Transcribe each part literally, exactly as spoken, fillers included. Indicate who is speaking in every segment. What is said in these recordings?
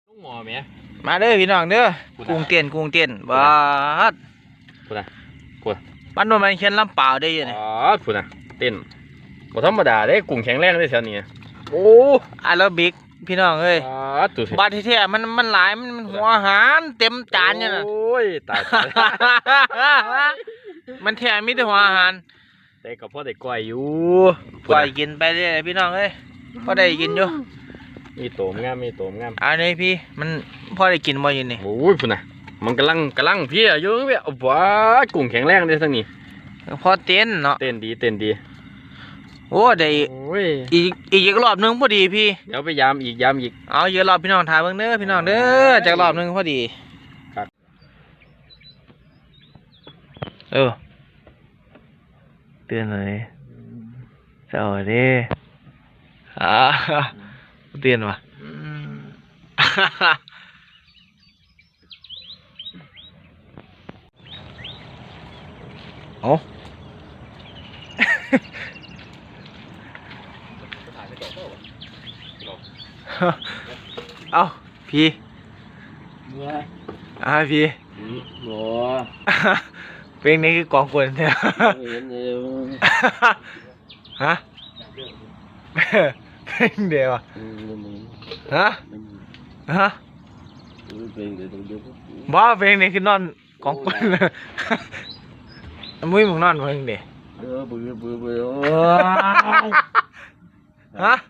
Speaker 1: หมอแม่
Speaker 2: มาเด้อพี่น้องเด้อกุ้งเตียนกุ้งเตียนบาด
Speaker 1: พูดนะพูด
Speaker 2: ปั้นโดนมันเขียนลำเปล่าได้ยังไง
Speaker 1: อ๋อพูดนะเต้นบ่ธรรมดาเด้กุ้งแข็งแรงได้แถวนี้
Speaker 2: โอ้อาราบิกพี่น้องเอ้ยบาดที่แท้มันมันหลายมันหัวอาหารเต็มจานเนี่ยนะ
Speaker 1: โอ้ยตาย
Speaker 2: มันแท้มีแต่หัวอาหาร
Speaker 1: แต่ก็พอได้ก้อยอยู่
Speaker 2: ก้อยกินไปเรื่อยพี่น้องเอ้ยพอได้กินอยู่
Speaker 1: มีโตมงามมีโตมงาม
Speaker 2: อันนี้พี่มันพอได้กินบ่ยินนี่
Speaker 1: โอ้ยพูดนะมันกำลังกำลังพี่อายุเนี่ยว้ากุ้งแข็งแรงได้ทั้งนี้
Speaker 2: พอเต้นเนาะ
Speaker 1: เต้นดีเต้นดี
Speaker 2: โอ้ได้อีกอีกรอบนึงพอดีพี่
Speaker 1: เดี๋ยวไปยามอีกยามอีก
Speaker 2: เอาเยอะรอบพี่น้องถ่ายเบิ่งเด้อพี่น้องเด้อจากรอบนึงพอดีเออเตือนเลยสวัสดีอ่าเตือนว่ะโอ้เอาพี่อ่าพี่
Speaker 1: บัว
Speaker 2: เพลงนี้คือกองกวนใช่ไหมฮะเพลงเดียวฮะฮะบ้าเพลงนี้คือนอนกองกวนมุ้ยมึงนอนเพลงเดียว
Speaker 1: เออเบื่อเบื่อเบื่อ
Speaker 2: ฮะ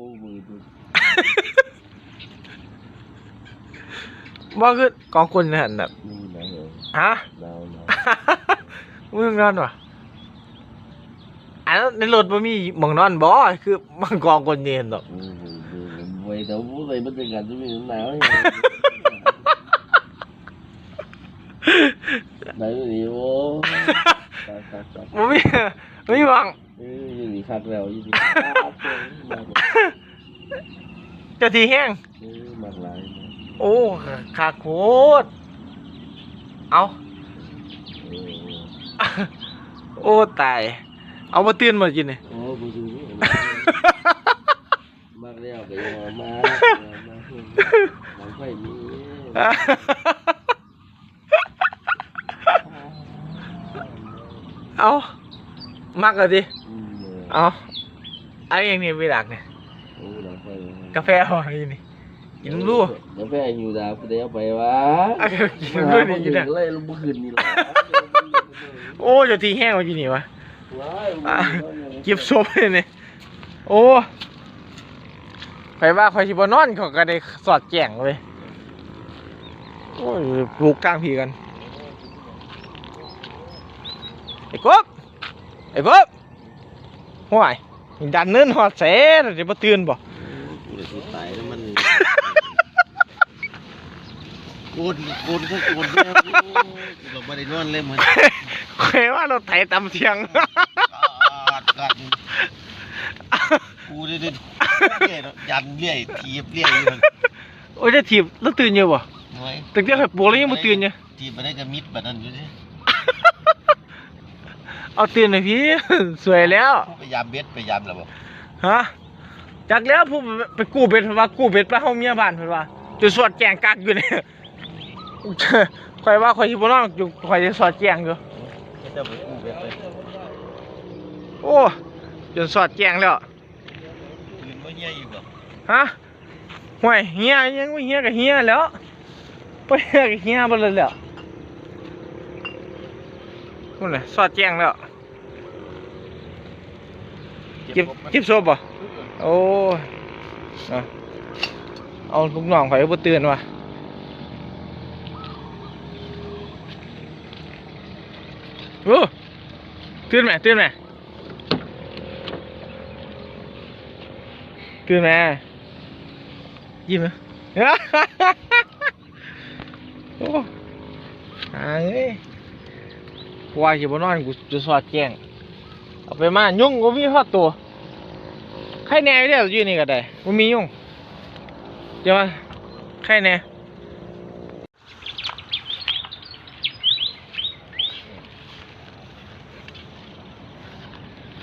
Speaker 2: บ้าคือกองกวนเนี่ยแบบฮะมึงนอนวะอันในรถมันมีมึงนอนบ่คือมันกองกวนเย็นหรอก
Speaker 1: ไว้แต่ผู้ใส่บรรยากาศจะมีหนาวไหนดูดิโว้
Speaker 2: มันมีไม่มีวัง
Speaker 1: ยืนคักแล้วยืน
Speaker 2: จะทีแห้ง
Speaker 1: มากหลาย
Speaker 2: โอ้ขาโคตรเอาโอ้ตายเอามาตื่นมากินเลย
Speaker 1: โอ้บูดูมากแล้วก็ยังมามามันค่อยมี
Speaker 2: เอามากเลยดิเอาไอ้ยังนี่ไม่ดักเนี่ยกาแฟหอยนี่กินรู้
Speaker 1: กาแฟอยู่ดาวกูได้เอาไปวะ
Speaker 2: กินรู้นี่กิน
Speaker 1: เลยลงบุคืนนี่แหละ
Speaker 2: โอ้จะทีแห้งมากินนี่วะเก็บศพเลยเนี่ยโอ้ใครว่าใครชิบนอนเขาก็ได้สอดแจ้งเลยโอ้ยปลูกกลางผีกันไอ้กบไอ้กบห่วยดันเนินหอดเสะจะมาตื่นบ่
Speaker 1: ตายแล้วมันโกนโกนก็โกนแล้วเราไม่ได้นอนเลยเหมือน
Speaker 2: ใครว่าเราไถตำเทียง
Speaker 1: กัดกัดกูได้ได้ยันเลี้ยทีบเลี้ยอยู่
Speaker 2: โอ้ยจะถีบแล้วตื่นเยอะบ่ตึกเดียวให้ปวดแล้วยังไม่ตื่นเยอะ
Speaker 1: ทีบมาได้จะมิดแบบนั้นอยู่ดิ
Speaker 2: เอาตื่นหน่อยพี่สวยแล้ว
Speaker 1: พยายามเบ็ดพยายามแล้วบ่
Speaker 2: ฮะจากแล้วผมไปกู้เบ็ดว่ากู้เบ็ดไปห้องเมียบ้านเพิ่นว่าจุดสอดแจงกักอยู่เนี่ยคอยว่าคอยชิบน้องอยู่คอยจะสอดแจงอยู่โอ้จนสอดแจงแล้ว
Speaker 1: ยืนว่าเฮียอยู่บ่
Speaker 2: ฮะห่วยเฮียยังว่าเฮียกับเฮียแล้วไปเฮียกับเฮียบ่เลยแล้วนู่นแหละสอดแจงแล้วเก็บเก็บโซ่บ่โอ้เอาลูกน้องข่อยบ่ตื่นว่ะโอ้ตื่นไหมตื่นไหมตื่นไหมยิ้มไหมโอ้หาเอ้ยกว่าจะบ่นอนกูจะสอดแจ้งเอาไปมายุ่งกูมีฮอดตัวใครแน่เด้ออยู่นี่ก็ได้กูมียุ่งเดี๋ยวมาใครแน่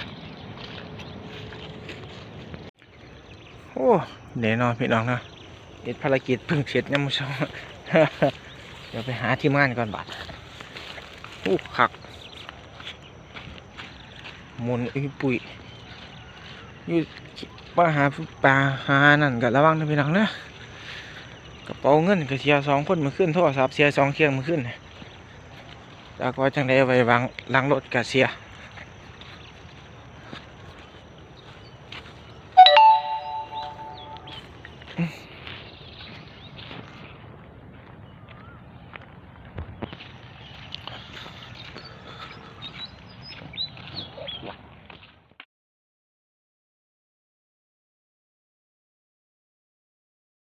Speaker 2: โอ้เดี๋ยวนอนพี่น้องนะเฮ็ดภารกิจเพิ่งเสร็จยามมื้อเช้า เดี๋ยวไปหาทีมงานก่อนบาดอู้คักหมุนอุ้ยปุ๋ยอยู่มาหาปลาหานั่นก็ระวังนะพี่น้องนะกระเป๋าเงินก็เสียสองคนมื้อคืนโทรศัพท์เสียสองเครื่องมื้อคืนจากว่าจังได๋ไว้วางหลังรถก็เสีย